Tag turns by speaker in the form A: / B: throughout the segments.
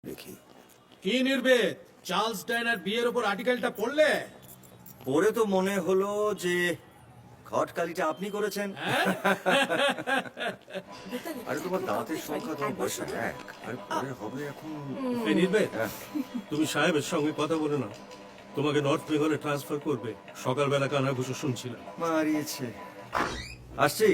A: দেখি।
B: কি নির্বেদ, চার্লস ডায়নার বিয়ের উপর আর্টিকেলটা পড়লে?
A: পরে তো মনে হলো যে খটকালিটা আপনি করেছেন। আরে তোমার দাঁতের সংখ্যা তোমার বয়স এক, আরে পরে হবে এখন।
B: এই নির্বেদ, তুমি সাহেবের সঙ্গে কথা বলে না, তোমাকে নর্থ বেঙ্গলে ট্রান্সফার করবে। সকালবেলা কানাঘুষো শুনছিলাম।
A: মারিয়েছে। আসছি।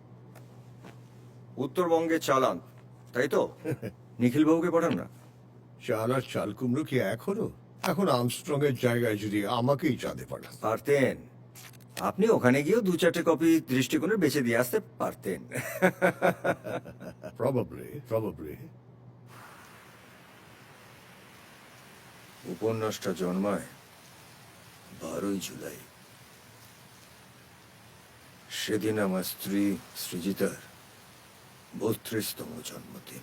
A: উত্তরবঙ্গে চালান, তাই তো? নিখিল বাবুকে পাঠান না।
C: চাল আর চাল কুমড়ো কি এক হলো? এখন আর্মস্ট্রং এর জায়গায় যদি আমাকেই চাঁদে পাঠান।
A: পারতেন, আপনি ওখানে গিয়েও 2-4টে কপি দৃষ্টিকোণের বেঁচে দিয়ে আসতে পারতেন।
C: প্রবাবলি
A: উপন্যাসটা জন্মায় 12ই জুলাই। সেদিন আমার স্ত্রী সৃজিতার 32তম জন্মদিন।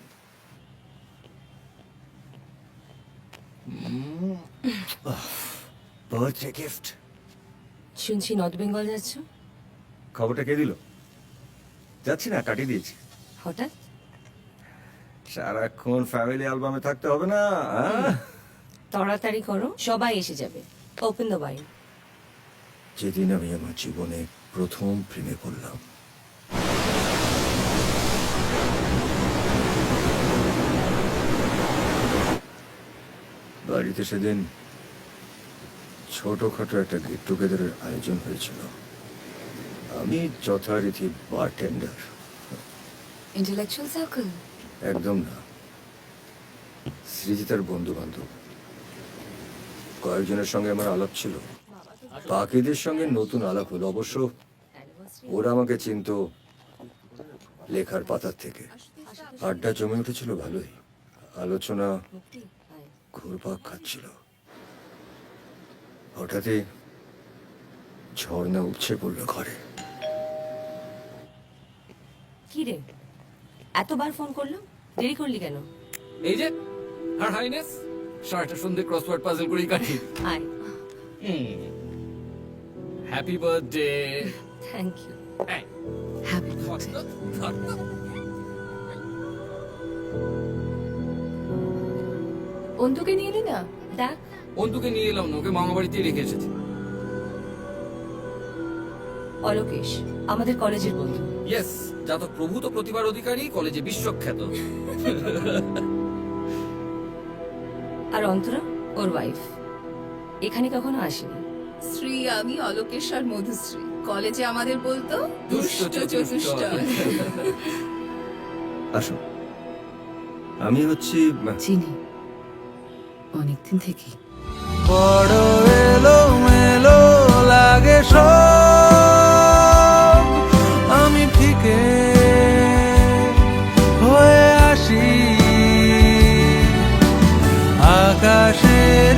A: Birthday gift.
D: শুনছি নর্থ বেঙ্গল যাচ্ছ?
A: খবরটা কে দিল? যাচ্ছি না, কাটিয়ে দিয়েছি।
D: হঠাৎ?
A: সারাক্ষণ ফ্যামিলি অ্যালবামে থাকতে হবে না।
D: তাড়াতাড়ি করো, সবাই এসে যাবে। Open the wine.
A: যেদিন আমি আমার জীবনে প্রথম প্রেমে পড়লাম, বাড়িতে সেদিন ছোটখাটো একটা গেট টুগেদারের আয়োজন হয়েছিল। আমি যথারীতি বারটেন্ডার।
D: Intellectual circle?
A: একদম না, সৃজিতার বন্ধু বান্ধব কয়েকজনের সঙ্গে আমার আলাপ ছিল। বাকিদের সঙ্গে নতুন আলাপ হলো। অবশ্য ওরা আমাকে চিনত লেখার পাতার থেকে। আড্ডা জমে উঠেছিল ভালোই, আলোচনা ঘুরপাক খাচ্ছিল। হঠাৎই ঝর্ণা উঠছে পড়লো ঘরে।
D: কি রে, এতবার ফোন করলাম, দেরি করলি কেন?
E: এই যে হার হাইনেস, সারাটা সন্ধে ক্রসওয়ার্ড পাজল করেই কাটি।
D: আয়।
E: Happy birthday.
D: Thank you.
F: Happy birthday. অন্তুকে নিয়ে এলি না?
D: দেখ,
E: অন্তুকে নিয়ে এলাম না, ওকে মামা বাড়িতেই রেখে এসেছি।
D: অলোকেশ আমাদের কলেজের বন্ধু।
E: ইয়েস, যা তো প্রভূত প্রতিভার অধিকারী, কলেজে বিশ্বখ্যাত।
D: আর অন্তরা ওর ওয়াইফ। এখানে কখনো আসেনি।
F: শ্রী আমি অলোকেশ্বর মধুশ্রী, কলেজে আমাদের বলতো
E: দুষ্ট চতুষ্ট।
A: আসুন, আমি হচ্ছি
F: চিনি অনেকদিন থেকে।
G: বড় এলো মেলো লাগে সব, আমি ফিকে হয়ে আসি আকাশের